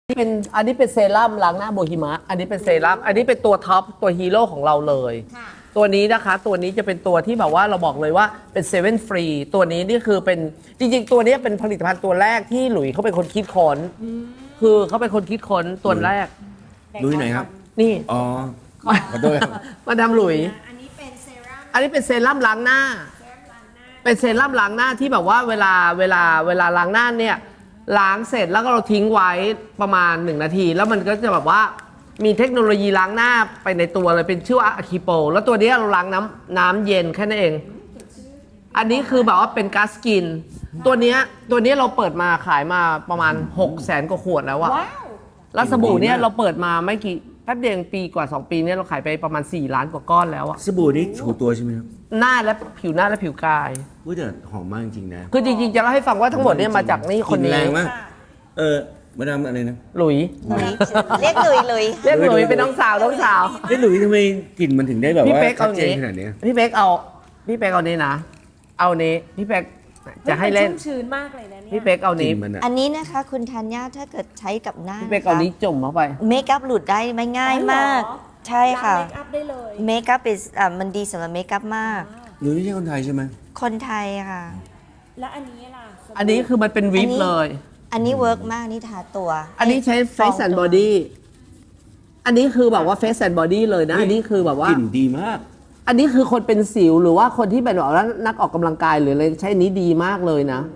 อันนี้เป็นเซรั่มล้างหน้าโบฮิมะอันนี้เป็นเซรั่มอันนี้เป็นตัวท็อปตัวฮีโร่ของเราเลยตัวนี้นะคะตัวนี้จะเป็นตัวที่แบบว่าเราบอกเลยว่าเป็นเซเว่นฟรีตัวนี้นี่คือเป็นจริงๆตัวนี้เป็นผลิตภัณฑ์ตัวแรกที่หลุยเขาเป็นคนคิดค้นคือเขาเป็นคนคิดค้นตัวแรกลุยไหนครับนี่อ๋อ ขอโทษครับมาดามหลุยอันนี้เป็นเซรั่มอันนี้เป็นเซรั่มล้างหน้า เป็นเซรั่มล้างหน้าที่แบบว่าเวลาล้างหน้าเนี่ยล้างเสร็จแล้วก็เราทิ้งไว้ประมาณ1 นาทีแล้วมันก็จะแบบว่ามีเทคโนโลยีล้างหน้าไปในตัวเลยเป็นชื่อว่าอะคิโปแล้วตัวนี้เราล้างน้ำเย็นแค่นั้นเอง อันนี้คือแบบว่าเป็นก๊าซกินตัวนี้เราเปิดมาขายมาประมาณ600,000 กว่าขวดแล้วอะว้าวแล้วสบู่เนี่ยเราเปิดมาไม่กี่แป๊บเดียวปีกว่า2 ปีเนี่ยเราขายไปประมาณ4 ล้านกว่าก้อนแล้วอะสบู่นี่ถูตัวใช่ไหมครับหน้าและผิวหน้าและผิวกายอุ้ยแต่หอมมากจริงๆนะคือจริงๆจะเล่าให้ฟังว่าทั้งหมดเนี่ยมาจากนี่คนกลิ่นี้แรงมากมาดามอะไรนะหลุยเรียกเลยเลยเรียกหลุยเป็นน้องสาวน้องสาวเฮ้ยหลุยทำไมกลิ่นมันถึงได้แบบพี่ว่าเป๊กชัเอาดเจนนี้ขนาดนี้พี่เป๊กเอานี้นะ เอานี้พี่เป๊กจะให้เล่นชุ่มชื้นมากเลยนะเนี่ยพี่เป๊กเอากลิ่นี้นมันอะอันนี้นะคะคุณธัญญาถ้าเกิดใช้กับหน้าพี่เป๊กเอานี้จุ่มเข้าไปเมคอัพหลุดได้ไม่ง่ายมาก ใช่ค่ะล้างเมคอัพได้เลยเมคอัพเป็นมันดีสำหรับเมคอัพมากหลุยไม่ใช่คนไทยใช่ไหมคนไทยค่ะแล้วอันนี้ล่ะสบู่อันนี้คือมันเป็นวิปเลยอันนี้เวิร์กมากนี่ทาตัวอันนี้ใช้ Face and Body อันนี้คือแบบว่า Face and Body เลยนะ อันนี้คือแบบว่ากลิ่นดีมากอันนี้คือคนเป็นสิวหรือว่าคนที่เป็นแบบว่านักออกกำลังกายหรืออะไรใช้อันนี้ดีมากเลยนะ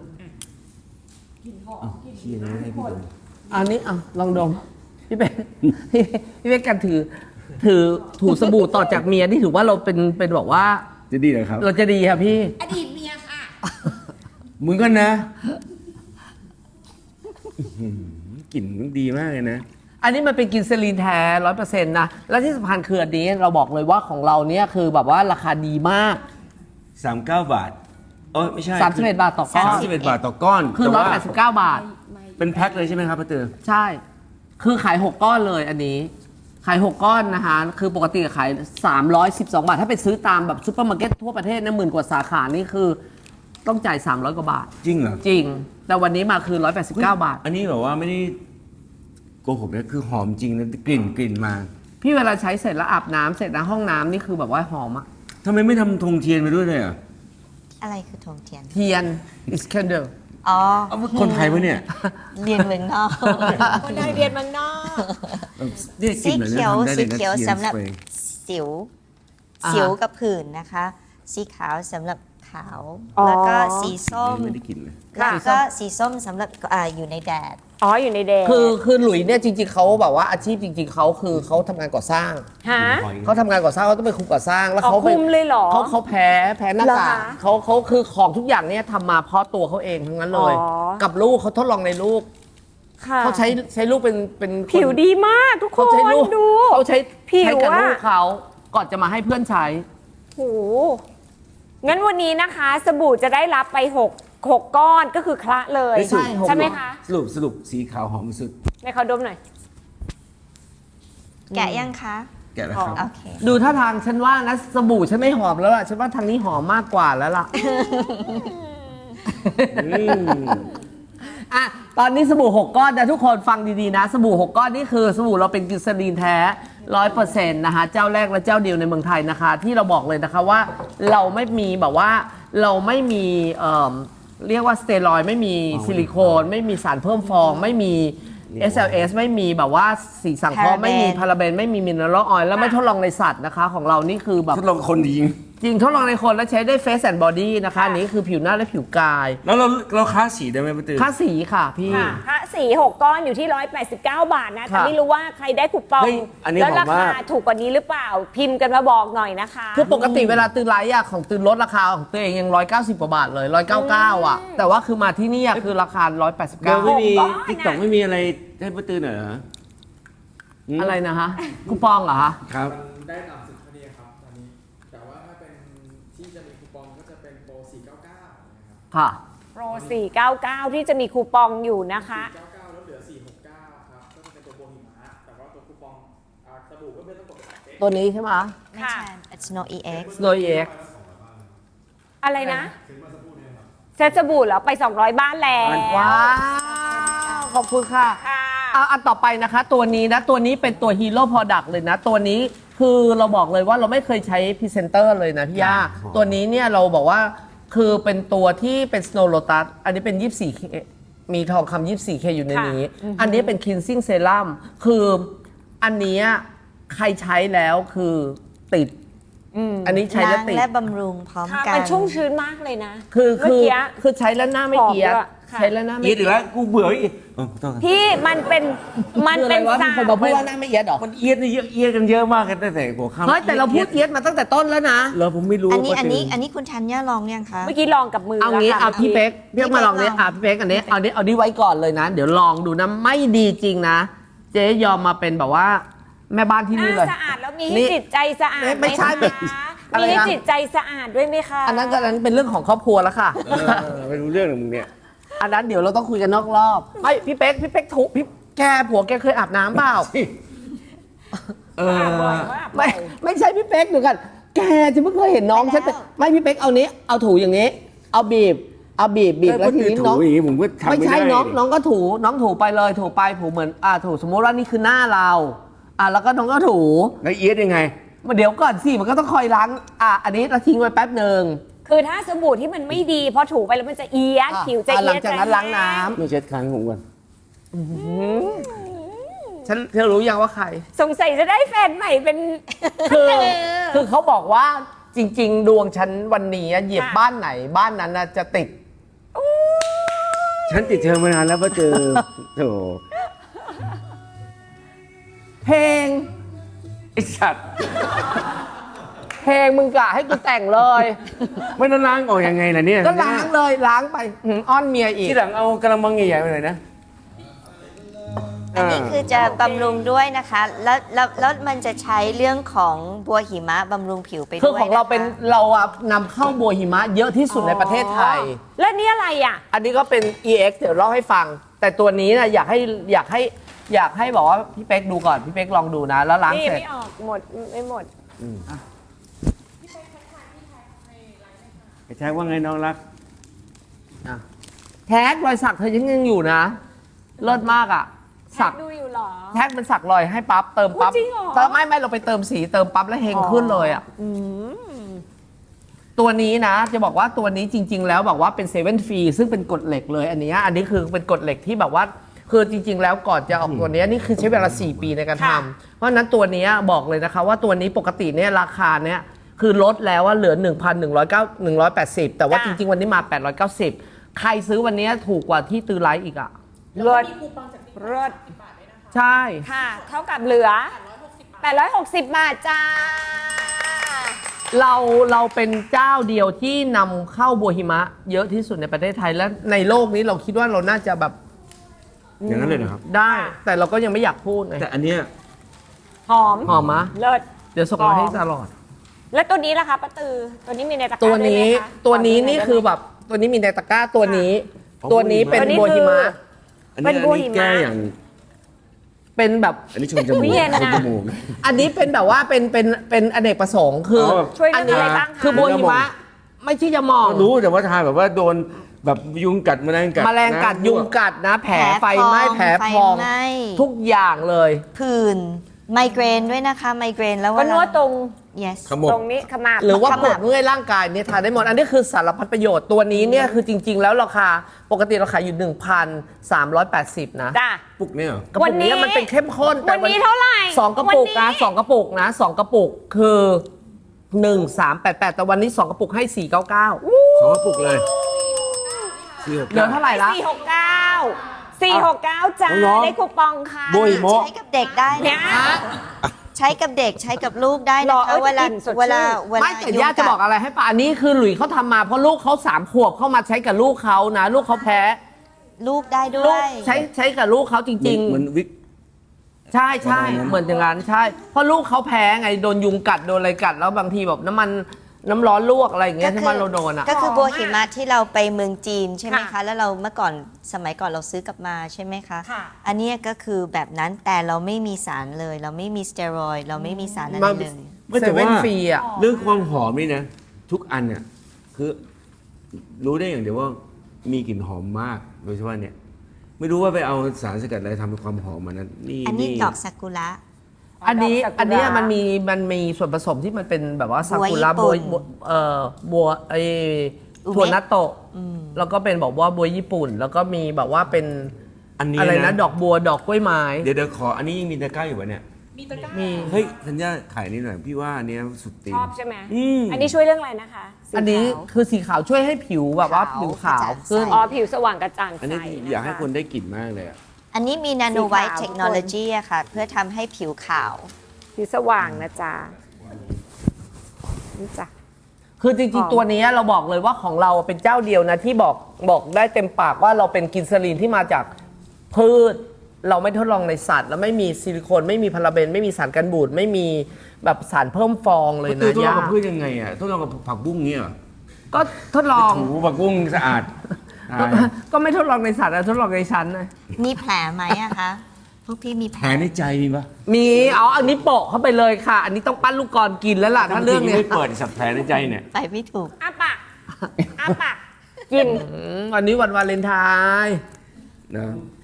เชียร์นะให้พี่ดมอันนี้ลองดมพี่เป๊กพี่เป๊กกันถือถูสบู่ต่อจากเมียนี่ถือว่าเราเป็นบอกว่าจะดีเหรอครับเราจะดีครับพี่อดีตเมียค่ะมึงก็นะกลิ่นมันดีมากเลยนะอันนี้มันเป็นกินเซรีนแท้100%นะและที่สำคัญคืออันนี้เราบอกเลยว่าของเราเนี่ยคือแบบว่าราคาดีมาก 39 บาทไม่ใช่ 31 บาทต่อก้อน 31 บาทต่อก้อนคือแต่ว่า 189 บาทเป็นแพ็คเลยใช่ไหมครับป้าเตือใช่ คือขาย 6 ก้อนเลยอันนี้ ขาย 6 ก้อนนะคะ คือปกติขาย 312 บาท ถ้าไปซื้อตามแบบซูเปอร์มาร์เก็ตทั่วประเทศนะ10,000 กว่าสาขานี่คือต้องจ่าย 300 กว่าบาทจริงเหรอจริง แต่วันนี้มาคือ 189 บาทอันนี้แบบว่าไม่ได้โกหกนะคือหอมจริงนะกลิ่นมาพี่เวลาใช้เสร็จแล้วอาบน้ำเสร็จนะห้องน้ำนี่คือแบบว่าหอมอะทำไมไม่ทำธงเทียนไปด้วยเลยอ่ะอะไรคือธงเทียนเทียน is candle อ๋อคนไทยปะเนี่ยเรียนเมืองนอกคนไทยเรียนเมืองนอกนี่กสีลิ่นเหมือนเขียวทำได้เลสียนะเขียวทียนสำหรับสเปรย์สิวอ่าสิวกับผื่นนะคะ สีขาวสำหรับขาวอ๋อแล้วก็สีส้มไม่ได้กลิ่นเลยแล้วก็สีส้มสำหรับอยู่ในแดดอ๋ออยู่ในแดงคือหลุยเนี่ยจริงๆเขาแบบว่าอาชีพจริงๆเขาคือเขาทำงานก่อสร้างฮะเขาทำงานก่อสร้างเขาต้องเป็นคุมก่อสร้างแล้วอ๋อเขาไปคุมเลยเหรอเขาแพ้หน้ากากเหรอคะเขาคือของทุกอย่างเนี่ยทำมาเพราะตัวเขาเองทั้งนั้นเลยอ๋อกับลูกเขาทดลองในลูกค่ะเขาใช้ลูกเป็นคนผิวดีมากทุกคเขานใช้ลูกดูเขาใช้ผิวใช้กับอะลูกเขาก่อนจะมาให้เพื่อนใช้โหงั้นวันนี้นะคะ สบู่จะได้รับไป6ก้อนก็คือคละเลยใช่หกใช่ไหมคะสรุปสีขาวหอมสุดให้เขาดมหน่อยแกะยังคะแกะแล้วครับโอเคดูท่าทางฉันว่านะสบู่ฉันไม่หอมแล้วล่ะฉันว่าทางนี้หอมมากกว่าแล้วล่ะ อ่ะตอนนี้สบู่ 6 ก้อนนะทุกคนฟังดีๆนะ สบู่ 6 ก้อนนี่คือสบู่เราเป็นกลิซารีนแท้ 100% นะคะเจ้าแรกและเจ้าเดียวในเมืองไทยนะคะ ที่เราบอกเลยนะคะว่าเราไม่มีแบบว่าเราไม่มีเรียกว่าสเตียรอยด์ไม่มีซิลิโคนไม่มีสารเพิ่มฟอง ไม่มี SLS ไม่มีแบบว่าสีสังเคราะห์ไม่มีพาราเบนไม่มีมินเนอรัลออยล์แล้วไม่ทดลองในสัตว์นะคะ ของเรานี่คือแบบทดลองคนจริงจริงทดลองในคนแล้วใช้ได้ Face and Body นะคะอันนี้คือผิวหน้าและผิวกายแล้วเราค้าสีได้ไหมป้าเตือค่าสีค่ะพี่ค่ะพระสี6ก้อนอยู่ที่189 บาทนะ แต่ค่ะไม่รู้ว่าใครได้คูปองเฮ้ยอันนี้แล้วหอรามมากคาถูกกว่านี้หรือเปล่า พิมพ์กันมาบอกหน่อยนะคะคือปกติเวลาตื่นไลฟ์อะของตื่นลดราคาของตัวเองยัง190 กว่าบาทเลย 199 อ่ะ แต่ว่าคือมาที่นี่อะคือราคาเบลไม่มีก้อนติ๊กต็อกไม่มีอะไรให้ป้าเตือหน่อยเหรอ 189 อะไรนะฮะคูปองเหรอฮะครับมันได้ตามสิทธิ์พอดีครับตอนนี้ แต่ว่าถ้าเป็นที่จะมีคูปองก็จะเป็นโปร 499 นะครับค่ะโปร 499 ที่จะมีคูปองอยู่นะคะ 499 แล้วเหลือ 469 ครับ ก็จะเป็นตัวโบหิมะแต่ว่าตัวคูปองสบู่ก็ไม่ต้องกดไป2 ตัวนี้ใช่ไหมไม่ใช่ it's no EX Snow EX อะไรนะเซ็ตสบู่เหรอไป200 บ้านแล้วว้าว ขอบคุณค่ะค่ะอันต่อไปนะคะ ตัวนี้นะตัวนี้เป็นตัวฮีโร่ product เลยนะ ตัวนี้คือเราบอกเลยว่าเราไม่เคยใช้พรีเซนเตอร์เลยนะพี่ย่าตัวนี้เนี่ยเราบอกว่าคือเป็นตัวที่เป็น Snow Lotus อันนี้เป็น 24K มีทองคำ 24K อยู่ในนี้ อันนี้เป็น cleansing serum คืออันเนี้ยใครใช้แล้วคือติด อันนี้ใช้แล้วล้างติดและบำรุงพร้อมค่ะกันมันชุ่มชื้นมากเลยนะคือเมื่อกี้คือใช้แล้วหน้าไม่เอียดหอมด้วยค่ะใช้แล้วหน้าไม่เอียดอีกแล้วกูเบื่ออีกขอโทษครับพี่มันเป็นคืออะไรวะสามีคนมาพูดว่าหน้าไม่เอียดหรอมันเอียดนี่เยอะเอียดกันเยอะมากกันตั้งแต่หัวค่ำเฮ้ยแต่เราพูดเอียดมาตั้งแต่ต้นแล้วนะเราผมไม่รู้อันนี้ว่าอันนี้จะอันนี้คุณธัญญาลองยังคะเมื่อกี้ลองกับมือเอางี้แล้วค่ะเอาพี่เป๊กพี่เป๊กมาลองนี้พี่เป๊กอันนี้เอานี้ไว้ก่อนเลยนะ เดี๋ยวลองดูนะไม่ดีจริงนะ เจ๊ยอมมาเป็นแบบว่าแม่บ้านที่นี่เลยสะอาดแล้วมีนี่ให้จิตใจสะอาดไม่ใช่ไหมคะอะไรมีนะให้จิตใจสะอาดด้วยไหมคะอันนั้นเป็นเรื่องของครอบครัวแล้วค่ะไม่รู้เรื่องหรอกมึงเนี่ยอันนั้นเดี๋ยวเราต้องคุยกันนอกรอบไม่พี่เป๊กถูกพี่แกผัวแกเคยอาบน้ำเปล่าบ่อยมากไม่ใช่พี่เป๊กเดี๋ยวกันแกจะไม่เคยเห็นน้องฉันเป็นไม่พี่เป๊กเอานี้เอาถูอย่างนี้ เอาบีบแล้วทีนี้น้องอย่างนี้ผมก็ทำไม่ไม่ใช่ได้น้องก็ถูไปเลยถูไปถูเหมือนถูสมมติว่านี่คือหน้าเราแล้วก็น้องก็ถูแล้วเอียดยังไงเดี๋ยวก่อนสิมันก็ต้องคอยล้างอันนี้เราทิ้งไว้แป๊บหนึ่งคือถ้าสบู่ที่มันไม่ดีพอถูไปแล้วมันจะเอียดผิวจะเอียดหลังจากนั้นล้างน้ำไม่เช็ดครั้งผมก่อนฉันเธอรู้ยังว่าใครสงสัยจะได้แฟนใหม่เป็นคือเขาบอกว่าจริง ๆ ดวงฉันวันนี้เหยียบค่ะบ้านไหนบ้านนั้นจะติดฉันติดเธอมานานแล้วมาเจอโถเพลงไอสัตว์เพลงมึงกะให้กูแต่งเลยไม่ต้องล้างออกยังไงล่ะเนี่ยก็ล้างเลยล้างไปอ้อนเมียอีกที่หลังเอากระมังใหญ่ๆไปหน่อยนะอันนี้คือจะบำรุงด้วยนะคะ แล้วมันจะใช้เรื่องของบัวหิมะบำรุงผิวไปด้วยคือของเราะคะเป็นเรานำเข้าบัวหิมะเยอะที่สุดในประเทศไทยแล้วนี่อะไรอ่ะอันนี้ก็เป็น EX เดี๋ยวเล่าให้ฟัง แต่ตัวนี้นะอยากให้บอกว่าพี่เป๊กดูก่อนพี่เป๊กลองดูนะ แล้วล้างนี่เสร็จไม่ออกหมดไม่หมดไอ้แท็กว่าไงน้องรักแท็กรอยสักเธอยังอยู่นะเลิศมากอ่ะสักดูอยู่เหรอแท็กมันสักรอยให้ปั๊บเติมปั๊บจริงเหรอไม่เราไปเติมสีเติมปั๊บแล้วเฮงขึ้นเลยอ่ะตัวนี้นะจะบอกว่าตัวนี้จริง ๆ แล้วบอกว่าเป็นเซเว่นฟรีซึ่งเป็นกฎเหล็กเลยอันนี้คือเป็นกฎเหล็กที่แบบว่าคือจริง ๆ แล้วก่อนจะออกตัวนี้นี่คือใช้เวลา4 ปีในการทำเพราะฉะนั้นตัวนี้บอกเลยนะคะว่าตัวนี้ปกติเนี่ยราคาเนี่ยคือลดแล้วว่าเหลือ 1,180 แต่ว่าจริง ๆ วันนี้มา 890 ใครซื้อวันนี้ถูกกว่าที่ตือไลท์อีกอ่ะเลิศเลิศใช่ค่ะ เท่ากับเหลือ 860 บาทจ้าเราเป็นเจ้าเดียวที่นำเข้าบัวหิมะเยอะที่สุดในประเทศไทยและในโลกนี้เราคิดว่าเราน่าจะแบบอย่างนั้นเลยนะครับได้ แต่เราก็ยังไม่อยากพูดไงแต่อันเนี้ยหอมหอมมะเลิศเดี๋ยวส่งมาให้ตลอดแล้วตัวนี้ล่ะคะป้าตือ ตัวนี้มีในตะกร้าตัวด้วยไหมนี้คะตัวนี้ขอดูหนี่ยได้ไหมคือแบบตัวนี้มีในตะกร้าตัวนี้อ๋อตัวนี้เป็นตัวนี้บัวหิมะคืออันเป็นี้นบัวหิมะแก้อย่างเป็นแบบอันนี้ชมจมูกอุ๊ยเย็นอะชมจมูกอันนี้เป็นแบบว่าเป็นอเนกประสงค์คือช่วยเรื่องอะไรบ้างคะคือบัวหิมะไม่ใช่จะมองรู้แต่ว่าทายแบบว่าโดนแบบยุงกัดแมลงกัดแมลงกัดนะยุงกัดนะ แผลไฟไหม้แผลพองไฟไหม้ทุกอย่างเลยผื่นไมเกรนด้วยนะคะไมเกรนแล้วก็นวดตรง yes ขมวดตรงนี้ขมับหรือว่าขปมัวบดเมื่อยร่างกายเนี่ยทานได้หมด อันนี้คือสารพัดประโยชน์ตัวนี้เนี่ยคือจริง ๆ แล้วราคาปกติเราขายอยู่ 1,380 นะจ้าปุกเนี่ยเหรอกระปุกนี้มันเป็นเข้มข้นแต่วันนี้เท่าไหร่สองกระปุกวันนะนี้สองกระปุกนะสองกระปุกคือ 1388 แต่วันนี้ 2 กระปุกให้ 499 สองกระปุกเลยสี่หกเหลือเท่าไหร่ละ 469 จ้าน้องๆได้คูปองค่ะโบย โมะใช้กับเด็กได้เนี่นะยคะใช้กับเด็กใช้กับลูกได้หรนะอคะเวลาเอ้ยสดชื่นเวลาไม่แต่ย่าจะบอกอะไรให้ป่ะอันนี้คือหลุยเขาทำมาเพราะลูกเขา3 ขวบเข้ามาใช้กับลูกเขานะ ลูกเขาแพ้ลูกได้ด้ลูวกยใช้กับลูกเขาจริงเหมือนวิกๆ ใช่ใช่ประมาณนั้นเหมือนอย่างนั้นใช่ เพราะลูกเขาแพ้ไงโดนยุงกัดโดนอะไรกัดแล้วบางทีแบบน้ำร้อนลวกอะไรอย่างเงี้ยที่มันเราโดนอ่ะก็คือบัวหิมะที่เราไปเมืองจีนใช่ไหมค่ะคะ แล้วเราเมื่อก่อนสมัยก่อนเราซื้อกลับมาใช่ไหมคะค่ะอันเนี้ยก็คือแบบนั้นแต่เราไม่มีสารเลย เราไม่มีสเตียรอยด์เราไม่มีสารอะไรเลยไม่เซแต่เว่ว่านฟรีอ่ะเรื่องความหอมนี่นะ ทุกอันเนี่ยคือรู้ได้อย่างเดียวว่ามีกลิ่นหอมมากโดยเฉพาะเนี่ยไม่รู้ว่าไปเอาสารสกัดอะไรทำเป็นความหอมมันนั้นนี่อันนี้ดอกซากุระอันนี้ดอกซากุระอันเนี้ยมันมีส่วนผสมที่มันเป็นแบบว่าซากุระบัวบัวไออุเมะถั่วนัตโตะแล้วก็เป็นบอกว่าบัวญี่ปุ่น แล้วก็มีแบบว่าเป็นอันนี้อะไรนะดอกบัวดอกกล้วยไม้เดี๋ยวขออันนี้ยังมีตะกร้าอยู่ปะเนี่ยมีเฮ้ยธัญญาขายนี่หน่อยพี่ว่าอันเนี้ยสุดตีนชอบใช่ไหมอืมอันนี้ช่วยเรื่องอะไรนะคะสีอันนี้ขาวคือสีขาวช่วยให้ผิวแบบว่าขาวผิวขาวกระจ่างขึ้นใสอ๋อผิวสว่างกระจ่างอันใสนี้นะคะอยากให้คนได้กลิ่นมากเลยอะอันนี้มีนาโนสีไวขาวท์เทคโนโลยีอะค่ะ เพื่อทำให้ผิวขาวผิวสว่างนะจ๊ะนี่จ้ะคือจหริอง มๆ ตัวนี้เราบอกเลยว่าของเราเป็นเจ้าเดียวนะที่บอกได้เต็มปากว่าเราเป็นกินซาลีนที่มาจากพืช เราไม่ทดลองในสัตว์ แล้วไม่มีซิลิโคนไม่มีพาราเบนไม่มีสารกันบูดไม่มีแบบสารเพิ่มฟองเลยทนะดลองย่ากับพืชยังไงอ่ะทดลองกับผักบุ้งเงี้ยเหรอก็ทดลองถูผักบุ้งสะอาดก็ไม่ทดลองในสัตว์นะทดลองในชั้นนะมีแผลไหมอะคะ พวกพี่มีแผแผลลในใจมีปะมีเอาอันนี้โปะเข้าไปเลยค่ะ อันนี้ต้องปั้นลูกกรกินแล้วล่ะถ้าเรื่องเนี้ยไม่เปิดสับแผลในใจเนี่ยไปไม่ถูกอ้าปากอ้าปากกินวันนี้วันวาเลนไทน์นะ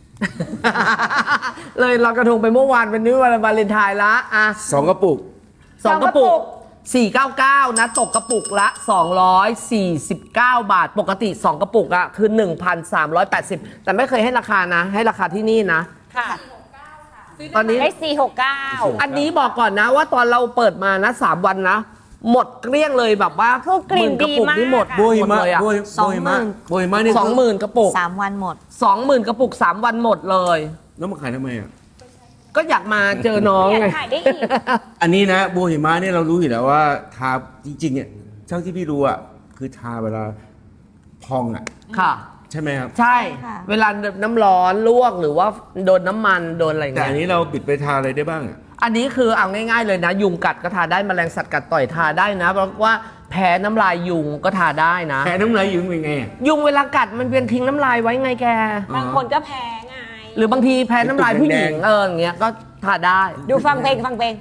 เลยลอยกระทงไปเมื่อวานวันนี้วันวาเลนไทน์ละอ่ะ 2 กระปุกสองกระปุก 499 นะ ตกกระปุกละ 249 บาท ปกติ 2 กระปุกอะคือ 1,380 แต่ไม่เคยให้ราคานะ ให้ราคาที่นี่นะค่ะตอนนี้ได้469 อันนี้บอกก่อนนะว่าตอนเราเปิดมานะ 3 วันนะ หมดเกลี้ยงเลยแบบว่าคือกลิ่นหมื่กระปุกดีมากนี่หมดอะโบยหมดมะเลยอะโบย 20,000 โบยมะเนี่ย 20,000 กระปุก 3 วันหมด 20,000 กระปุก 3 วันหมดเลยแล้วมาขายทำไมอ่ะก็อยากมาเจอน้องอยาไงกขายได้อีกอันนี้นะโบหิมะเนี่ยเรารู้อยู่แล้วว่าทาจริงๆเนี่ยเท่าที่พี่รู้อ่ะคือทาเวลาพองอ่ะค่ะใช่ไหมครับใช่ค่ะเวลาน้ำร้อนลวกหรือว่าโดนน้ำมันโดนอะไรอย่างแต่เงี้อันยนี้เราปิดไปทาอะไรได้บ้างอ่ะอันนี้คือเอาง่ายๆเลยนะ ยุงกัดก็ทาได้แมลงสัตว์กัดต่อยทาได้นะเพราะว่าแพ้น้ำลายยุงก็ทาได้นะแผลน้ำลายอยู่เป็นไงอะยุงเวลากัดมันเป็นทิ้งน้ำลายไว้ไงแกบางคนก็แพ้ไงหรือบางทีแพ้น้ำลายผู้หญิงอย่างเงี้ยก็ทาได้ดูฟังเพลงฟังเพลง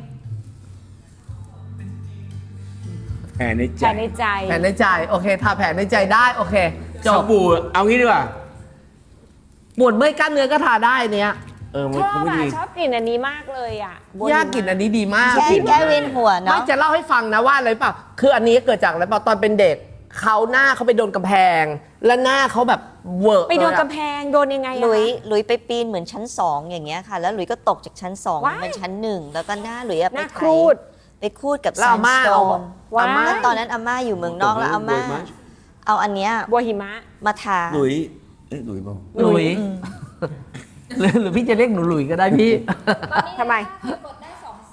แผลในใจแผลในใจแผลในใจโอเคทาแผลในใจได้โอเคจสบบู่เอางี้ดีกว่าปวดเมื่อยกล้ามเนื้อก็ทาได้เนี้ยมันชอบก็ไม่อ่ะดีชอบกลิ่นอันนี้มากเลยอ่ะบัวย่ากินอันนี้ดีมากแก้เวียนหัวไม่เนาะจะเล่าให้ฟังนะว่าอะไรเปล่าคืออันนี้เกิดจากอะไรเปล่าตอนเป็นเด็กเขาหน้าเขาไปโดนกำแพง แล้วหน้าเขาแบบเวอร์ไปโดนเลยอะกำแพงโดนยังไงอะหลุยคะหลุยไปปีนเหมือนชั้น 2 อย่างเงี้ยค่ะ แล้วหลุยก็ตกจากชั้น 2 ว้ายเป็นชั้น 1 แล้วก็หน้าหลุยอะหไปน้าไถครูดไปคูดกับแล้วอาม่าแซนสโตนว้ายแล้วตอนนั้นอาม่าอยู่เมืองนอกแล้วอาม่าเอาอันเนี้ยบัวหิมะมาทาหลุยหลุยบอกหลุยหรือพี่จะเรียกหนูหลุยก็ได้พี่ทำไมกดได้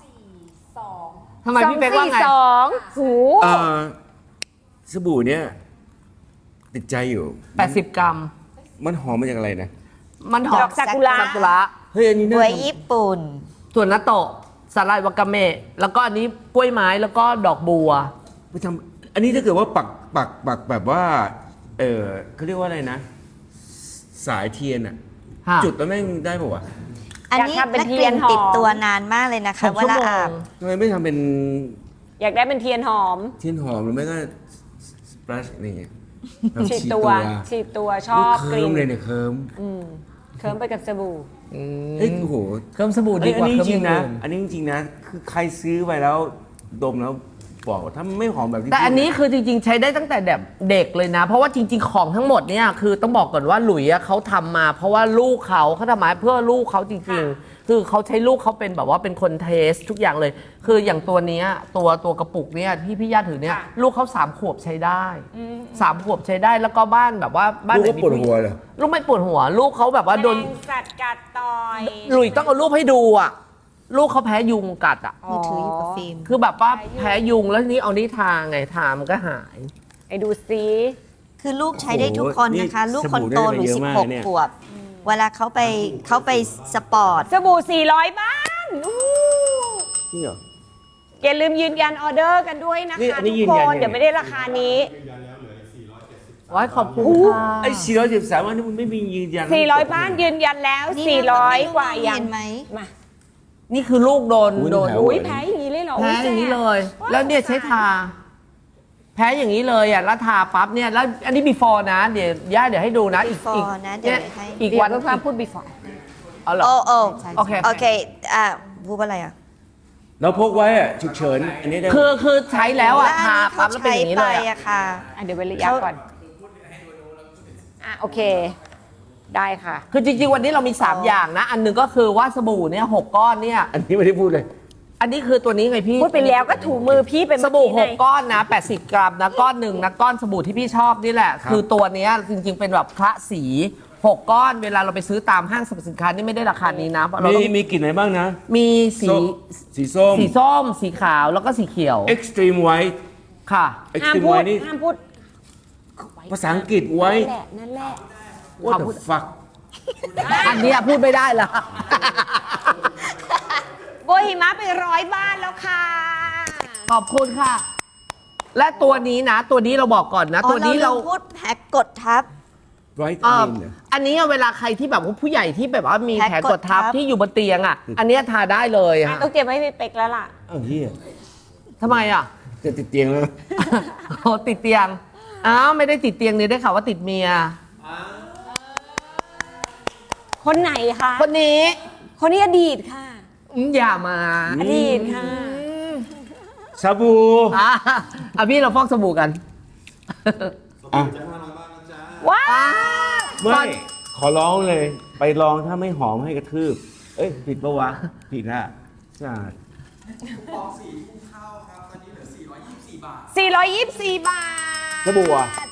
242 ทำไมพี่เป๊กว่าไง 242หูสบู่เนี่ยติดใจอยู่ 80 กรัมมันหอมมาจากอะไรนะมันหอดมอกซากุระซากุระเฮ้ยอันนี้บัน่าวญี่ปุ่นส่วนนัตโตะสาลายวากาเมะแล้วก็อันนี้กล้วยไม้แล้วก็ดอกบัวไปทำอันนี้ถ้าเกิดว่าปักแบบว่าเขาเรียกว่าอะไรนะ สายเทียนอะค่ะจุดแล้วแม่งได้ป่าวะอันนี้อยากทำเป็นและเทีกยลิ่นนหอมติดตัวนานมากเลยนะคะ 6 เวชั่วลาโมอาบงทำไมไม่ทำเป็นอยากได้เป็นเทียนหอมเทียนหอมหรือไม่ก็สเปรชนี่ไงแบบฉีดตัวฉีดตัวชอบกเคิลิ่ร์นมเลยเนี่ยเคิร์มเคิร์มไปกับสบู่เฮ้ยโอ้โหเครื่องสบู่ดีกว่าอันเคนี้รื่องจริงนะอื่นอันนี้จริงๆนะ คือใครซื้อไปแล้วดมแล้วบอกว่าถ้าไม่หอมแบบที่แต่อันนี้คือจริงๆ ใช้ได้ตั้งแต่แบบเด็กเลยนะ เพราะว่าจริง ๆ ของทั้งหมดเนี่ยคือต้องบอกก่อนว่าหลุยอะเขาทำมา เพราะว่าลูกเขาทำมาเพื่อลูกเขาจริงๆ คือเขาใช้ลูกเขาเป็นแบบว่าเป็นคนเทสทุกอย่างเลย คืออย่างตัวเนี้ยตัวกระปุกเนี่ยที่พี่ย่าถือเนี่ยค่ะลูกเขา3 ขวบใช้ได้3 ขวบใช้ได้แล้วก็บ้านแบบว่าบ้านลูกไหนก็ปวดหัวเหรอลูกไม่ปวดหัว ลูกเขาแบบว่าโดนแมลงสัตว์กัดต่อยหลุยต้องเอารูปให้ดูอ่ะลูกเขาแพ้ยุงกัดอ่ะมือถืออยู่กับฟิล์มคือแบบว่าแพ้ยุงแล้วทีนี้เอานี่ทาไงทามันก็หายไอ้ดูซิคือลูกใช้ได้ทุกคนนะคะโอ้โหลูกคนโตหลุยสบู่ได้ไปเยอะมากเนี่ย 16 ขวบ เวลาเขาไปสปอร์ตสบู่400 บ้านอู้นี่เหรออย่าลืมยืนยันออเดอร์กันด้วยนะนี่คะอันนี้ทุยืกนคยันนยังไงเดี๋ยวไม่ได้ราคานี้ไว้ขอบคุณค่ะไอ้413อันนี้มันไม่มียืนยัน 400 บ้านยืนยันแล้วนี่นะ 400 กว่ายังเห็นไหมมานี่คือลูกโดนอุ๊ยโดนแผลอุ้ยแพ้อย่างนี้เลยเหรอแพ้อย่างนี้เลย แล้วเนี่ยใช้ทาแพ้อย่างนี้เลยอ่ะแล้วทาปั๊บเนี่ยแล้วอันนี้ before นะเดี๋ยวย่าเดี๋ยวให้ดูนะอีก before นะเดี๋ยวให้อีกเดี๋ยววันเพื่อนๆพูด before เอาเหรอโอ้โอเคโอเคพูดว่าอะไรอ่ะเราพกไว้อะฉุกเฉินอันนี้ได้คือใช้แล้วอ่ะและทาอันนี้ปั๊เขาบแล้วเป็นใช้อย่างนี้ไปเลยอะอะค่ะเดี๋ยวเว้นระยะก่อนโอเค ได้ค่ะคือจริงๆวันนี้เรามี 3 อย่างนะ อันหนึงก็คือว่าสบู่เนี่ย6ก้อนเนี่ยอันนี้ไม่ได้พูดเลยอันนี้คือตัวนี้ไงพี่พูดไปแล้วก็ถูมือพี่เป็นสบู่เมื่อกี้ไง 6 ก้อนนะ80 กรัมนะก้อนหนึ่งนะก้อนสบู่ที่พี่ชอบนี่แหละครับคือตัวเนี้ยจริงๆเป็นแบบคละสี6 ก้อนเวลาเราไปซื้อตามห้างสรรพสินค้านี่ไม่ได้ราคานี้นะเพราะเรามีต้องมีกลิ่นอะไรบ้างนะมีสีสีส้มสีส้ม สีขาวแล้วก็สีเขียว extreme white ค่ะห้าม extreme พูด white นี่ห้ามพูดภาษาอังกฤษไว้นั่นแหละ what the fuck อันเนี้ยพูดไม่ได้ละโบหิมะไป100 บ้านแล้วค่ะขอบคุณค่ะ และตัวนี้นะ ตัวนี้เราบอกก่อนนะ ตัวนี้เราพูดแพ็กกดทับ white อันนี้เวลาใครที่แบบว่าผู้ใหญ่ที่แบบว่ามีแผลแผลกดทับกดทับที่อยู่บนเตียงอ่ะ อันเนี้ยทาได้เลยอะต้องเตรียมไว้ให้พี่เป๊กแล้วล่ะเอ้าเฮียทำไมอ่ะจะติดเตียงแล้วโอ้ติดเตียง อ้าวไม่ได้ติดเตียงนี่ได้ข่าวว่าติดเมียคนไหนคะคนนี้คนนี้อดีตค่ะอย่ามาอดีตค่ะสบู่อ่ะพี่เราฟอกสบู่กันอ่ะว้าวไม่ขอร้องเลย ไปลองถ้าไม่หอมให้กระทืบ เอ้ย ผิดปะวะ ผิดอะใช่ปอง4 ทุ่มเข้าครับ ตอนนี้เหลือ 424 บาท 424 บาทสบู่อ่ะ